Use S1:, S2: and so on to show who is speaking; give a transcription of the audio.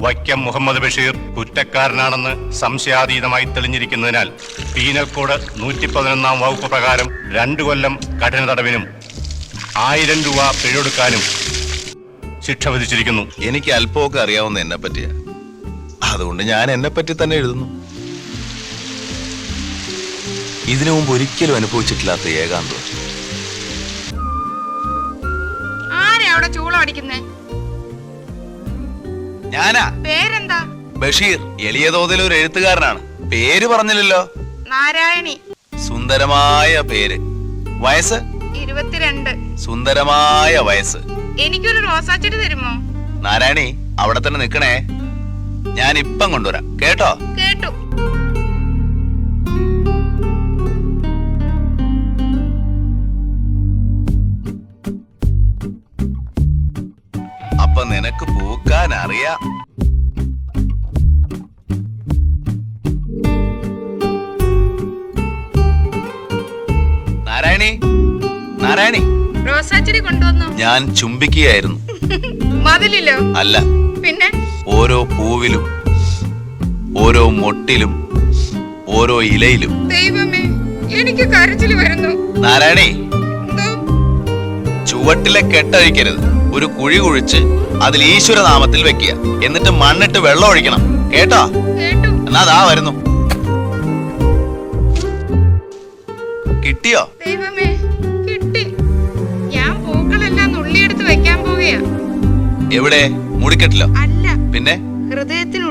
S1: വൈക്കം മുഹമ്മദ് ബഷീർ കുറ്റക്കാരനാണെന്ന് സംശയാതീതമായി തെളിഞ്ഞിരിക്കുന്നതിനാൽ പീനൽ കോഡ് 111 വകുപ്പ് പ്രകാരം 2 കൊല്ലം കഠിന തടവിനും 1000 രൂപ പിഴയൊടുക്കാനും ശിക്ഷ വിധിച്ചിരിക്കുന്നു.
S2: എനിക്ക് അല്പമൊക്കെ അറിയാവുന്ന എന്നെ പറ്റിയാ, അതുകൊണ്ട് ഞാൻ എന്നെ പറ്റി തന്നെ എഴുതുന്നു. ഇതിനു മുമ്പ് ഒരിക്കലും അനുഭവിച്ചിട്ടില്ലാത്ത ഏകാന്തം. ഞാനാ.
S3: പേരെന്താ?
S2: ബഷീർ. എളിയ തോതിൽ ഒരു എഴുത്തുകാരനാണ്. പേര് പറഞ്ഞില്ലല്ലോ.
S3: നാരായണി.
S2: സുന്ദരമായ പേര്. വയസ്സ്
S3: 22.
S2: സുന്ദരമായ വയസ്സ്.
S3: എനിക്കൊരു റോസാച്ചെടി തരുമോ?
S2: നാരായണി, അവിടെ തന്നെ നിക്കണേ, ഞാൻ ഇപ്പം കൊണ്ടുവരാം. കേട്ടോ?
S3: കേട്ടു.
S2: അപ്പൊ നിനക്ക് പൂക്കാൻ അറിയാം. നാരായണി, നാരായണി,
S3: റോസാച്ചെടി കൊണ്ടുവന്നു.
S2: ഞാൻ ചുംബിക്കുകയായിരുന്നു.
S3: മതിലിലോ?
S2: അല്ല,
S3: പിന്നെ
S2: ഓരോ പൂവിലും ഓരോ മൊട്ടിലും ഓരോ ഇലയിലും.
S3: ദൈവമേ, എനിക്ക് കരച്ചിൽ വരുന്നു.
S2: നാരായണി, ചുവട്ടിലെ കെട്ടഴിക്കരുത്. ഒരു കുഴി കുഴിച്ച് അതിൽ ഈശ്വരനാമത്തിൽ വെക്കുക. എന്നിട്ട് മണ്ണിട്ട് വെള്ളം ഒഴിക്കണം. കേട്ടോ?
S3: കേട്ടു.
S2: എന്നാ ദാ വരുന്നു. കിട്ടിയോ?
S3: ദൈവമേ, കിട്ടി. ഞാൻ പൂക്കളെല്ലാം നുള്ളിയെടുത്ത് വെക്കാൻ പോവുകയാ.
S2: എവിടെ? മുടിക്കെട്ടിലോ?
S3: അല്ല,
S2: പിന്നെ
S3: ഹൃദയത്തിൽ